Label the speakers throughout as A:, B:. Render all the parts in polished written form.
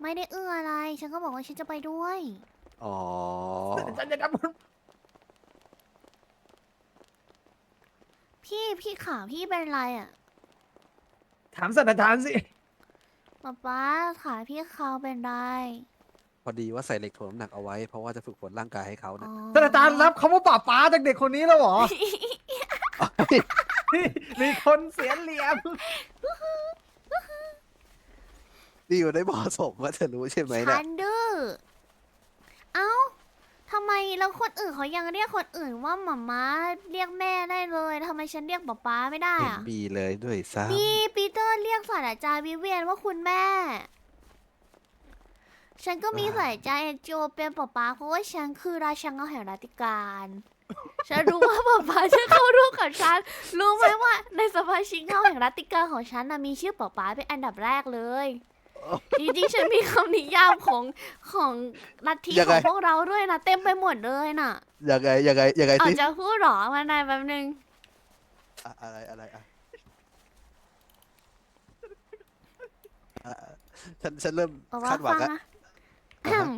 A: ไม่ได้เอื้ออะไร ฉันก็บอกว่าฉันจะไปด้วย
B: อ๋อ
C: ฉันจะทำ
A: พี่ขาพี่เป็นไรอ่ะ
C: ถามศาสตราจารย์สิ
A: ป๊าขาพี่เขาเป็นไร
B: พอดีว่าใส่เหล็กถ่วงน้ำหนักเอาไว้ เพราะว่าจะฝึกฝนร่างกายให้เขา
A: อ๋อ
B: นะ
C: ศาสตราจารย์รับคำว่าป่าป้าจากเด็กคนนี้แล้วเหรอ มีคนเสียเหลี่ยม
B: นี่อยู่ในเหมาะสมว่าเธอรู้ใช่ไหม
A: ฉั
B: นะ
A: นดื้อ เอ้า ทำไมแล้วคนอื่นเขายังเรียกคนอื่นว่าหม่าม้าเรียกแม่ได้เลยทำไมฉันเรียกป๊าไม่ได้
B: เห็น
A: อ่ะ
B: มีเลยด้วยซ้
A: นี่ปีเตอร์เรียกศาสตราจารย์วิเวียนว่าคุณแม่ ฉันก็มีศาสตราจารย์เอกโจเป็นป๊าเพราะว่าฉันคือราชันเงาแห่งรัตติการ ฉันรู้ว่าป๊าจะเข้าร่วมกับฉัน รู้ไหมว่าในสมาชิกเงาแห่งรัตติการของฉันนะมีชื่อป๊าเป็นอันดับแรกเลย จริงๆ ฉันมีคำนิยามของลัทธิของพวกเราด้วยนะเต็มไปหมดเลยน่ะ
B: ำยังไง
A: เอา
B: ที่
A: จะพูดหรอมานายแป๊บนึง
B: อะไรอ่ะอ่ะฉันเริ่ม
A: เอาว่า
B: คาดหวัง
A: ฟัง
B: อะ
A: นะ
B: อ่าฮะ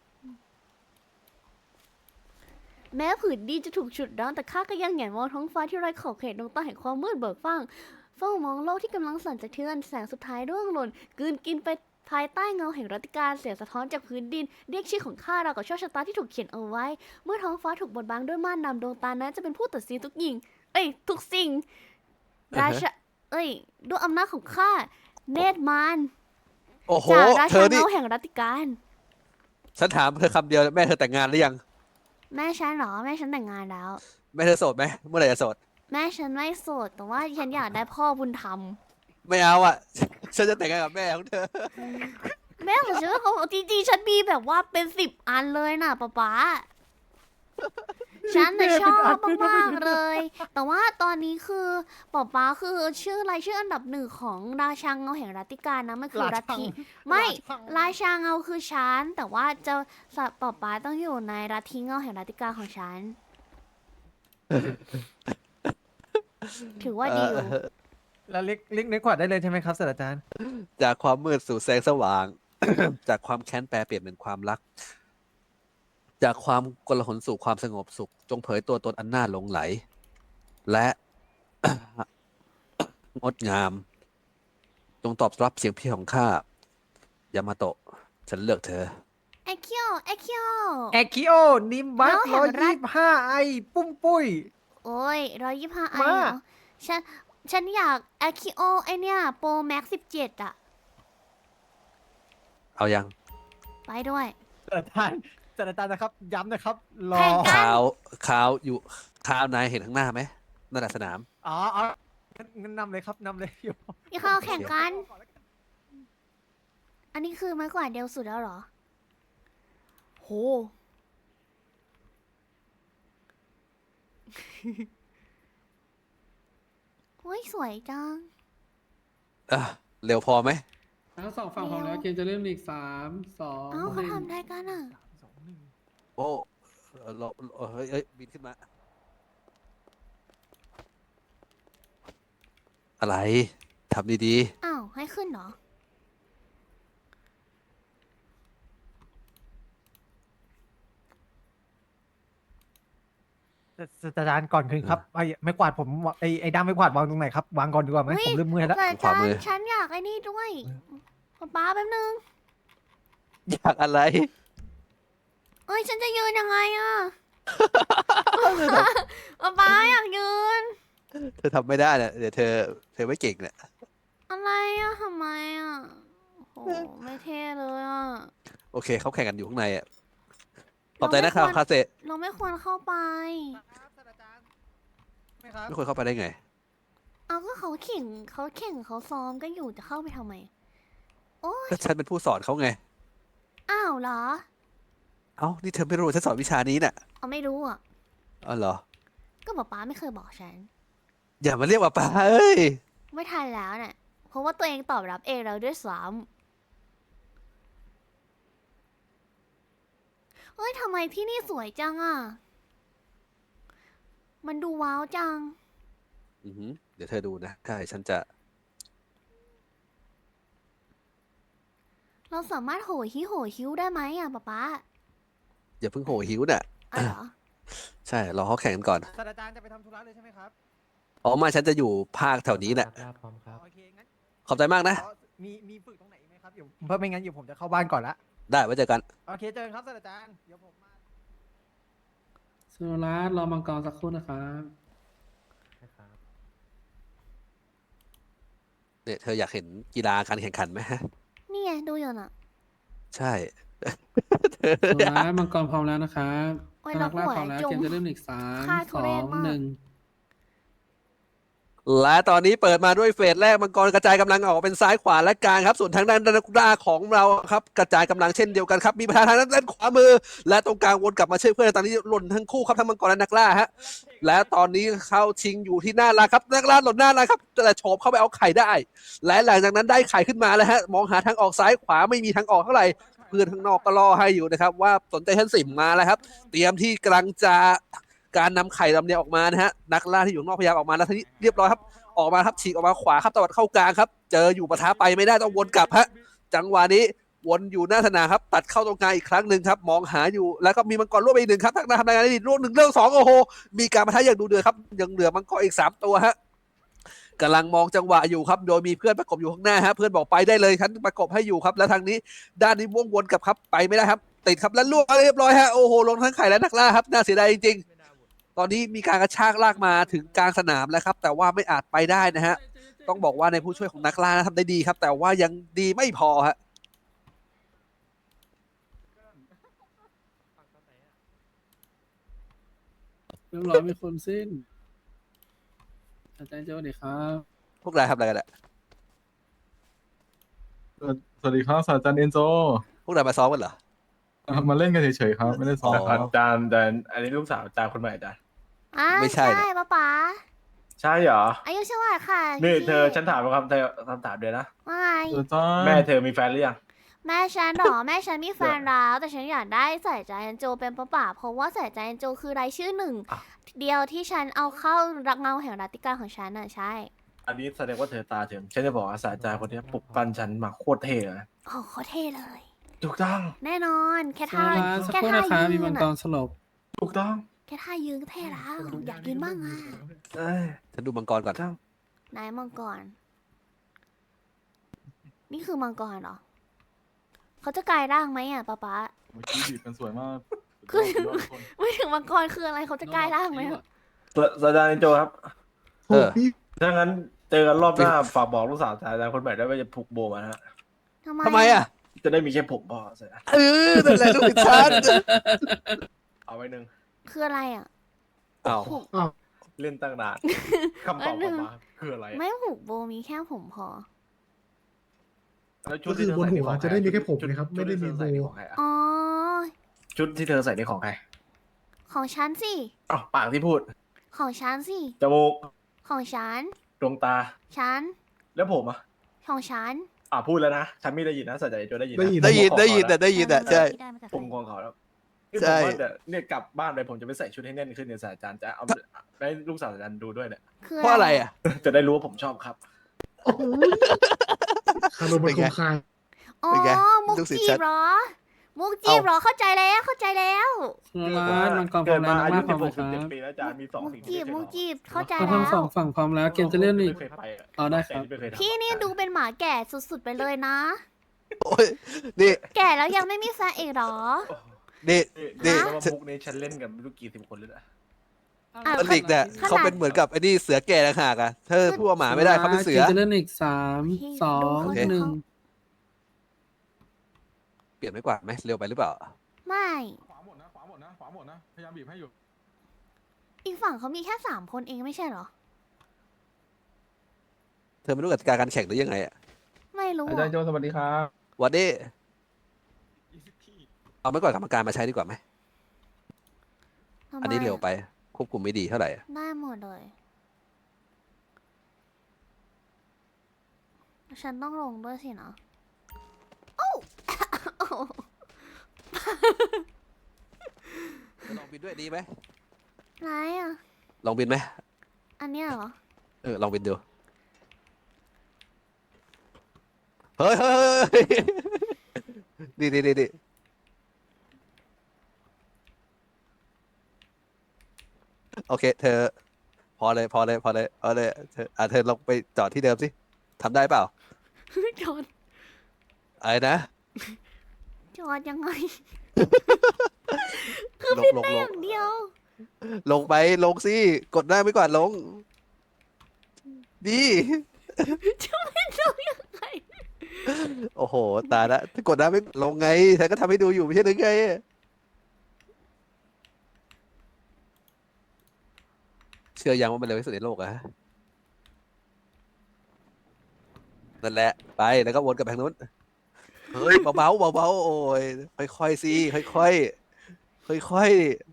A: แม้ผืนดินจะถูกฉุดรั้งแต่ข้าก็ยังแหงนมองท้องฟ้าที่ไร้ขอบเขตดวงตาแห่งความมืดเบิกฟ้างเฝ้ามองโลกที่กำลังสั่นสะเทือนแสงสุดท้ายร่วงหล่นกลืนกินไปภายใต้เงาแห่งรัตติการเสียงสะท้อนจากพื้นดินเรียกชื่อของข้าราวกับโชคชะตาที่ถูกเขียนเอาไว้ เมื่อท้องฟ้าถูกบดบังด้วยม่านดำดวงตานั้นจะเป็นผู้ตัดสินทุกยิ่งทุกสิ่งราชาด้วยอำนาจของข้าเนตรมาร
B: โอ้โห
A: จากรา
B: เธ
A: ชา
B: อนี่
A: เงาแห่งรัตติการ
B: ฉันถามเธอคำเดียวแม่เธอแต่งงานหรือยัง
A: แม่ฉันเหรอแม่ฉันแต่งงานแล้ว
B: แม่เธอโสดไหมเมื่อไหร่จะโสด
A: แม่ฉันไม่โสดแต่ว่าฉันอยากได้พ่อบุญธรรม
B: ไม่เอาอ่ะ ฉันจะแต่งงานกับแม่ของเธอ
A: แม่ของฉันเขาจริงๆฉันมีแบบว่าเป็น10 อันเลยน่ะป๊าฉันน่ะชอบมากๆเลย แต่ว่าตอนนี้คือป๊าคือชื่อรายชื่ออันดับหนึ่งของราชาเงาแห่งรัตติการนะมันคือรัตติไม่ราชาเงาคือฉันแต่ว่าจะป๊าต้องอยู่ในรัตติเงาแห่งรัตติการของฉัน ถือว่าดีอยู่
C: แล้วเรียกในขวัญได้เลยใช่ไหมครับศาสตราจารย์
B: จากความมืดสู่แสงสว่าง จากความแค้นแปรเปลี่ยนเป็นความรัก จากความกลาหลสู่ความสงบสุข จงเผยตัวตนอันน่าหลงไหล และ งดงาม จงตอบรับเสียงเพียงของข้ายามาโตะ ฉันเลือกเธอ
A: เอคิโอเอคิโอ
C: แอคิโอ นิมบัส
A: แล้วแห่
C: ร้อง ย
A: รัฐ
C: 25 ไอ ปุ้มปุ้ย
A: โอ้ย125 ไอ
C: มา
A: เหรอฉันอยากเอคิโอไอเนี่ยโปรแม็ก17อะ
B: เอายัง
A: ไปด้วย
C: ศาสตราจารย์นะครับ ย้ำนะครับ รอ
A: แข่งกัน
B: ข่าวอยู่ข่าวนายเห็นข้างหน้าไหมนั่นแหละสนาม
C: อ๋องั้นนำเลยครับนำเลยอยู่
A: พี่เข้าแข่งกัน อันนี้คือไม้กวาดเดียวสุดแล้วเหรอ โห โอ้ยสวยจัง
B: อ่ะ เร็วพอไหม
D: ทั้งสองฝั่งพร้อมแล้วเกมจะเริ่มอีก3 2
A: เอ้าเขา
D: 1
A: ทำได้กันอ่ะ
B: โอ้เฮ้ย บินขึ้นมา อะไร ทำดี
A: อ้าว ให้ขึ้นเหรอ
C: ศาสตราจารย์ก่อนคืนครับไอ้ไม่กวาดผมไอ้ด้ามไม่กวาดวางตรงไหนครับ วางก่อนดีกว่าไหม
A: เฮ้ย
C: ผมเริ่มเมื่อยแล้ว
A: แต่จานฉันอยากไอ้นี่ด้วยป๊าแป๊บนึง
B: ๆ อยากอะไร
A: เอ้ย ฉันจะยืนยังไงอ่ะ ป๊าอยากยืน
B: เธอทำไม่ได้เนี่ยเดี๋ยวเธอไม่เก่งเนี่ย
A: อะไรอ่ะทำไมอ่ะโอ้โหไม่เท่เลยอ่ะ
B: โอเค เขาแข่งกันอยู่ข้างในอ่ะ ขอบใจนะครับ คาเซ
A: เราไม่ควรเข้าไป
C: ไม่ครับ
B: ไม่ควรเข้าไปได้ไง
A: เอาก็เขาแข่งเขาซ้อมกันอยู่จะเข้าไปทำไม โอ้ย
B: ก็ฉันเป็นผู้สอนเขาไง
A: อ้าวเหรอ
B: เอ้า นี่เธอไม่รู้ฉันสอนวิชานี้น่ะ
A: เอาไม่รู้อ่ะ
B: อ๋อเหรอ
A: ก็ป๊าไม่เคยบอกฉัน
B: อย่ามาเรียกว่าป้าเอ้ย
A: ไม่ทันแล้วน่ะ เพราะว่าตัวเองตอบรับเองแล้วด้วยซ้ำเฮ้ยทำไมที่นี่สวยจังอ่ะ มันดูว้าวจัง
B: อือหือเดี๋ยวเธอดูนะใช่ฉันจะ
A: เราสามารถโหฮิโหฮิ้วได้ไหมอ่ะป๊าป๊า
B: อย่าเพิ่งโหหิวน่ะ
A: อ๋อเหรอ
B: ใช่รอเขาแข่งกันก่อน
C: ศาสตราจารย์จะไปทำธุระเลยใช่ไหมครับ
B: อ๋อไมาฉันจะอยู่ภาคแถวนี้แหละ
E: พร้อมครับ
C: โอเคงั้น
B: ขอบใจมากนะ
C: อ๋อมีฝึกตรงไหนอีกไหมครับเดี๋ยวเพราะไม่งั้นเดี๋ยวผมจะเข้าบ้านก่อนละ
B: ได้ไว้เจอกัน
C: โอเคเจอกันครับศาสตราจารย์เดี๋ยวผมมา
D: สุรัตน์รอมังกรสักครู่นะครับ
E: นะครับ
B: เนี่ยเธออยากเห็นกีฬาการแข่งขันไหมฮะ
A: นี่ไงดูอยู่น่ะ
B: ใช่
D: สุรัตน์มังกรพร้อมแล้วนะครับ
A: โอ้ย
D: ถ้านักล่า
A: แล้วหัว
D: พร้อมแล้ว
A: จุ่ม
D: เกมจะเริ่มอีกสาม
A: ฆ่าทุ
D: สอ
A: เรศ
D: ง
A: มาก
D: หนึ่ง
B: และตอนนี้เปิดมาด้วยเฟสแรกมังกรกระจายกำลังออกเป็นซ้ายขวาและกลางครับ ส่วนทางด้านนักล่าของเราครับกระจายกำลังเช่นเดียวกันครับมีประธานทางด้านขวามือ และตรงกลางวนกลับมาช่วยเพื่อนตอนนี้หล่นทั้งคู่ครับทั้งมังกรและนักล่าฮะและตอนนี้เข้าชิงอยู่ที่หน้าร้านครับนักล่าหล่นหน้าร้านครับแต่โฉบเข้าไปเอาไข่ได้ และหลังจากนั้นได้ไข่ขึ้นมาแล้วฮะมองหาทางออกซ้ายขวาไม่มีทางออกเท่าไหร่เพื่อนข้างนอกก็รอให้อยู่นะครับว่าสนใจชั้นสิบมาแล้วครับ เตรียมที่กำลังจะการนำไข่ลำเลียงออกมานะฮะนักล่าที่อยู่ข้างนอกพยายามออกมาแล้วทีนี้เรียบร้อยครับ ออกมาครับฉีกออกมาขวาครับตวัดเข้ากลางครับ เจออยู่ปะทะไปไม่ได้ต้องวนกลับฮะจังหวะนี้วนอยู่หน้าสนามครับ ตัดเข้าตรงกลางอีกครั้งหนึ่งครับ มองหาอยู่แล้วก็มีมังกรร่วมไปอีกหนึ่งครับทางด้านทำงานได้ดีร่วมหนึ่งเรื่องสองโอ้โหมีการปะทะอย่างดูเดือดครับยังเหลือมังกรอีก3ตัวฮะกำลังมองจังหวะอยู่ครับ โดยมีเพื่อนประกบอยู่ข้างหน้าฮะเพื่อนบอกไปได้เลยฉันประกบให้อยู่ครับ แล้วทางนี้ด้านนี้วงวนกลับครับไปไม่ได้ครับติดครับแล้วล่วงเรียบร้อยฮะโอ้โหลงทั้งไข่และนักล่าครับน่าเสียดายจริงๆตอนนี้มีการกระชากลากมาถึงกลางสนามแล้วครับแต่ว่าไม่อาจไปได้นะฮะ ต้องบอกว่าในผู้ช่วยของนักล่านะทำได้ดีครับ แต่ว่ายังดีไม่พอฮะ
D: เรียบร้อยมีคนสิ้นอาจารย์โจดีครับ
B: พวกนายทำอะไรกันอะ
F: สวัสดีครับศาสตราจารย์เอนโซ
B: พวกนายมาซ้อมกันเหรอ
F: มาเล่นกันเฉยๆครับ ไม่ได้ซ้อม
B: อ๋อ
F: ครับ
G: อาจารย์แต่อันนี้ลูกสาวอาจารย์คนใหม่อาจารย์
A: อ่า
B: ไม่ใช่นะ
A: ป๊าป๊า
G: ใช่เหรอ
A: อายุเท่าไหร่ค่ะ
G: นี่
A: พี่
G: เธอฉันถามคำถามเดียวนะ
A: ว่าไง
F: ศาสตราจารย์
G: แม่เธอมีแฟนหรือยัง
A: แม่ฉันเหรอแม่ฉันมีแฟนแล้วแต่ฉันอยากได้ใส่ใจแอนโจเป็นป้าป๋าเพราะว่าใส่ใจแอนโจคือรายชื่อหนึ่ง
G: อ่ะ
A: เดียวที่ฉันเอาเข้ารักเงาแห่งรัตติการของฉันน่ะใช่
G: อันนี้แสดงว่าเธอตาถึงฉันจะบอกว่าศาสตราจารย์คนนี้ปลุกปั้นฉันมาโคตรเท่เลยนะ
A: โอ้เขาเท่เลย
G: ถูกต้อง
A: แน่นอนแค่
D: สุ
A: ท่า
D: รัตน์สัก
A: แค่
D: ครู่
A: ท่า
D: นะครับ
A: ยื
D: มี
A: น
D: มังก
A: อ่ะ
D: รสลบ
G: ถูกต้อง
A: แค่ท่ายืนก็เท่แล้วอยากยืนบ้างอ่ะ
G: เอ้ย
B: ฉันดูมังกรก่อน
G: ถูกต้อง
A: นายมังกร นี่คือมังกรเหรอเขาจะกลายร่างไหมอ่ะป๊าป๊า
F: เมื่อกี้บีบกันสวยมาก
A: คือ
F: สุดยอดทุกคน
A: ไม่ถึงมังกรคืออะไรเขาจะกลายร่างไหมอะ
G: ศาสตราจารย์โจครับ
B: เออ
G: ถ้างั้นเจอกันรอบหน้าฝากบอกลูกสาวศาสตราจารย์คนใหม่ด้วยว่าจะผูกโบมานะฮะ
B: ทำไมอ่ะ
G: จะได้มีแค่ผมพอเสร็จ
B: เออนั่นแหละลูกฉัน
G: เอาไว้หนึ่ง
A: คืออะไรอ่ะ
B: อ้าว
A: ผูก
G: เล่นตั้งนานคำตอบออกมาคืออะไร
A: ไม่ผูกโบมีแค่ผมพอ
G: แล้วชุดที่เธอใส่นี่ของใคร
H: จะได้มีแค่ผมนะครับ
G: ชุ
H: ไม่ได้มี
G: ที่เธอใส่
H: โบ
G: นี่ของใครอะ
A: อ๋อ
G: ชุดที่เธอใส่นี่ของใคร
A: ของฉันสิ
G: อ้าวปากที่พูด
A: ของฉันสิ
G: จมูก
A: ของฉัน
G: ดวงตา
A: ฉัน
G: แล้วผมอ่ะ
A: ของฉัน
G: พูดแล้วนะ ฉันไม่ได้ยินนะสัจจะโจได้ยินนะ
H: ได้ยิน
B: ได้ยิน
G: ผม
B: ได้ยิน
G: ขอ
B: แต่ได้ยินอ่ะใช่
G: ผมงงเขาแล้วนี่
B: ใช่
G: ผมว่าเดี๋ยวเนี่ยกลับบ้านไปผมจะไปใส่ชุดให้แน่นขึ้นเนี่ยศาสตราจารย์จะเอาให้ลูกสาวศาสตราจารย์ดูด้วยเนี่ย
A: คือ
B: เพราะอะไรอ่ะ
G: จะได้รู้ว่าผมชอบครับ
H: คารมมันคงคาย
A: อ๋อ
B: เป็นไง
A: มุก
B: ลูกศิษย์
A: จี
B: ฉั
A: บ
B: น
A: เหรอ มุกจีบเหรอ เข้าใจแล้ว เข้าใจแล้ว
D: สุรัตน์มังกรพร้
G: เกิ
D: อ
G: ด
D: มแล้
G: มาว
D: นั
G: อาก ยุ
D: ล่าพร้อม
G: 16
D: แล้วครับ
G: 17ปีแล้วอาจารย์มีสอง
A: มุก
G: สิ่ง
A: จี
G: ที่
A: บ
G: ไม่
A: มุก
G: เคย
A: จีบ เข้าใจ
D: ทั้
A: แล้
D: งสอ
A: ว
D: งฝั่งพร้อมแล้วเกมจะเริ่มอีก
G: ไม่เคยไปอะ
D: ได้ครับ
G: แต่ที่ไม่เคยทำ
A: พี่นี่ดูเป็นหมาแก่สุดๆไปเลยนะ
B: โอ้ยนี่
A: แก่แล้วยังไม่มีแฟนอีกเหรอ
B: นี่
G: นี่
B: นี่
G: แล้วว่ามุกนี้ฉันเล่นกันไม่รู้กี่สิบคนเลยนะ
A: อ่ะ
B: อลิกเนี่ย
A: ขนาด
B: เขาเป็นเหมือนกับไอ้นี่เสือแก่ต่างหากอ่ะเธอพูดว่าหมาไม่ได้เขาเป็นเสือ
D: กมจะเริ่มอีกสาม
A: พี่
D: สอง
A: ดูเขา
D: หนึ่ง
B: เปลี่ยนไม่กว่าดไหมเร็วไปหรือเปล่า
A: ไม่
F: ขวาหมดนะ ขวาหมดนะ ขวาหมดนะ พยายามบีบให้อยู่
A: อีกฝั่งเขามีแค่3 คนเองไม่ใช่เหรอ
B: เธอไม่รู้กติกาการแข่งหรือยังไงอ่ะ
A: ไม่รู้
F: อาจาร
A: อะ
F: ย์โจสวัสดีครับ
B: วันนี้เอาไม่ก่อนกรรมการมาใช้ดีกว่าไหม
A: ทำไม
B: อันนี้เร็วไปควบคุมไม่ดีเท่าไหร่อะ
A: ได้หมดเลย ฉันต้องลงด้วยสินะโอ้โอ้
B: ลองบินด้วยดีไหม
A: ไรอ่ะ
B: ลองบินไหม
A: อันเนี้ยเหรอ
B: ลองบินดู เฮ้ยเฮ้ยเฮ้ยนี่โอเค เธอ พอเลยเธอลงไปจอดที่เดิมสิทำได้เปล่า
A: จอด
B: อะไรนะ
A: จอดยังไง
B: ลง
A: อย่างเดียว
B: ลงไปลงสิกดได้ไม่กวาดลงดี
A: จะไม่ลงยังไง
B: โอ้โหตายละถ้ากดได้ไม่ลงไงเธอก็ทำให้ดูอยู่ไม่ใช่หรือไงเชื่อยังว่ามันเร็วที่สุดในโลกอะนั่นแหละไปแล้วก็วนกลับไปทางนู้นเฮ้ยเบาโอ้ยค่อยๆสิค่อย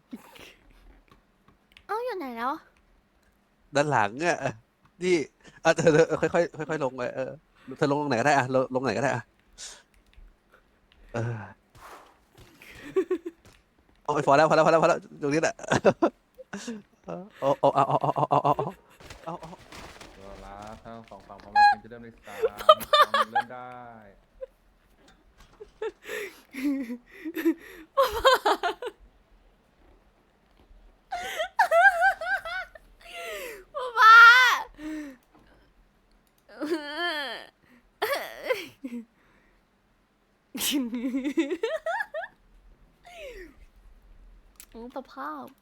A: เอ้าอยู่ไหนแล้ว
B: ๆด้านหลังอ่ะนี่เธอค่อยลงไปเธอลงตรงไหนก็ได้อะลงไหนก็ได้อะเออโอ้ยพอแล้วตรงนี้แหละเอา
E: ตัวละทั้งสองฝั่งพร้อมแล้วจะเริ่มในสามสองเริ่มได้
A: ป๊าโอ้สภาพ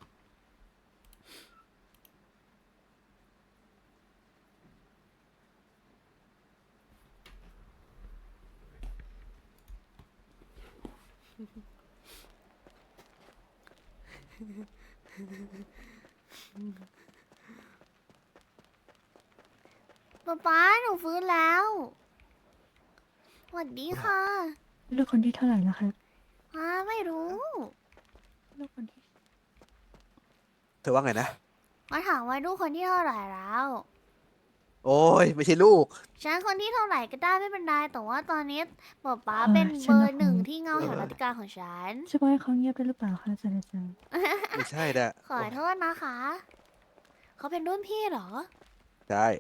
A: ป๊าหนูฟื้นแล้วสวัสดีค่ะ
H: ลูกคนที่เท่าไหร่แล้วครับ
A: ไม่รู้
H: ลูกคนที่
B: เธอว่าไงนะ
A: มาถามว่าลูกคนที่เท่าไหร่แล้ว
B: โอ้ยไม่ใช่ลูก
A: ฉันคนที่เท่าไหร่ก็ได้ไม่เป็นไรแต่ว่าตอนนี้ป๊าเป็นเบอร์หนึ่งที่เงาแห่งรัตติการของฉัน
H: จะบอกให้เขาเงียบได้หรือเปล่าคะศาสตราจารย์
B: ไม่ใช่นะ
A: ขอโทษนะคะ เขาเป็นรุ่นพี่เหรอ
B: ใช่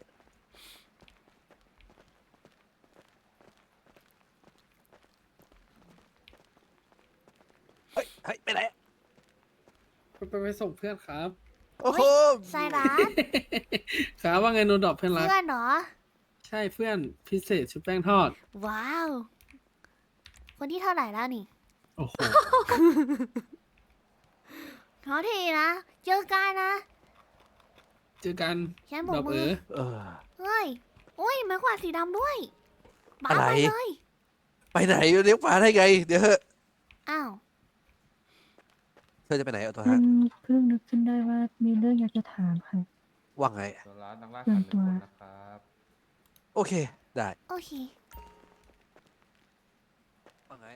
B: เฮ้ยไปไหน
D: ไปส่งเพื่อนครับ
B: โอ้โห
A: ไซรัส
D: ครับว่าไงโนดอกเพื่อนรัก
A: เพื่อนเหรอ
D: ใช่เพื่อนพิเศษชุบแป้งทอด
A: ว้าว คนที่เท่าไหร่แล้วนี่
D: โอ้โห
A: ขอทีนะ เจอกันนะ
D: เจอกัน
A: ฉันบ
D: ด
A: อ
D: อก ก
A: มือ
B: เออ
A: เฮ้ยอุ้ยไม้กวาดสีดำด้วยป๊า
B: อะไร
A: ไปเลย
B: ไปไหนเลี้ยวขวาได้ไง เดี๋ยวเถอะ
A: อ้าว
B: เธอจะไปไหนเอาตัว
H: มั
B: ฮะ
H: นเพิ่งนึกขึ้นได้ว่ามีเรื่องอยากจะถามค่ะ
B: ว่าไง
E: ตัวละนักล่าขันหนึ่งคนนะครับ
B: โอเค ได้
A: โอเค
B: ว่าไง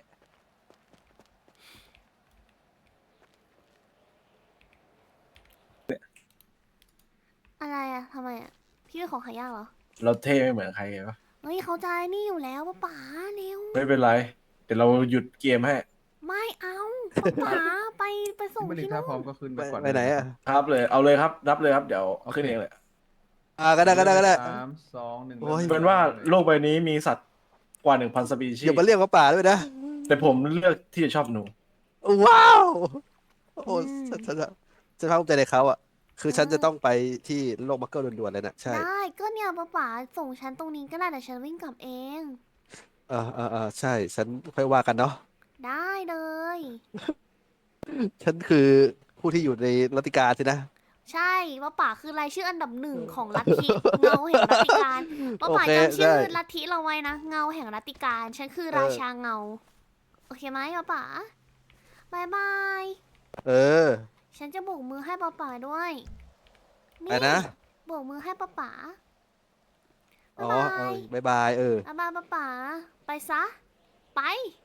A: อะไรอะทำไมอะพี่เป็นของขายยากเหรอ
G: เราเท่ไม่เหมือนใครเลยปะ
A: เฮ้ยเขาใจนี่อยู่แล้วป๊าเร็ว
G: ไม่เป็นไร เดี๋ยวเราหยุดเกมให้
A: ไม่เอาป๊าไปส่ง
E: ไม่ได้
A: ที่
E: ถ้า
A: นู่
E: พร้อม
A: น
E: ก็ขึ้น
B: ไป
E: ก่อน
B: ไปไหนอ่ะ
G: ครับเลย เอาเลยครับ รับเลยครับ เดี๋ยวขึ้นเองเลย
B: ก็ได้
E: สามสองหนึ่ง
B: โอ้ย
G: เป็นว่าโลกใบนี้มีสัตว์กว่า 1,000 สปีชี
B: อย่ามา
G: ส์
B: เรียกว่าป่าด้วยนะ
G: แต่ผมเลือกที่จะชอบหนู
B: ว้าว โอ้ฉันภาคภูมิใจในเขาอ่ะ คือฉันจะต้องไปที่โลกมักเกิลด่วนๆเลยนะใช่
A: ได้ก็เนี่ยป๊าส่งฉันตรงนี้ก็ได้แต่ฉันวิ่งกลับเอง
B: ใช่ ฉันค่อยว่ากันเนาะ
A: ได้เลย
B: ฉันคือผู้ที่อยู่ในรัตติการสินะ
A: ใช่ป๊าคือรายชื่ออันดับหนึ่งของลัทธิเงาแห่งรัตติการป๊า
B: โอเค
A: จำชื่อ
B: ได้
A: ลัทธิเราไว้นะ เงาแห่งรัตติการ ฉันคือราชาเงา โอเคไหมป๊าบายบาย
B: เออ
A: ฉันจะโบกมือให้ป๊าด้วย
B: ไปนะ
A: โบกมือให้ป๊า
B: อ๋อ
A: บ๊ายบาย
B: บ๊ายบาย
A: บ๊ายบายป๊าไปซะ ไป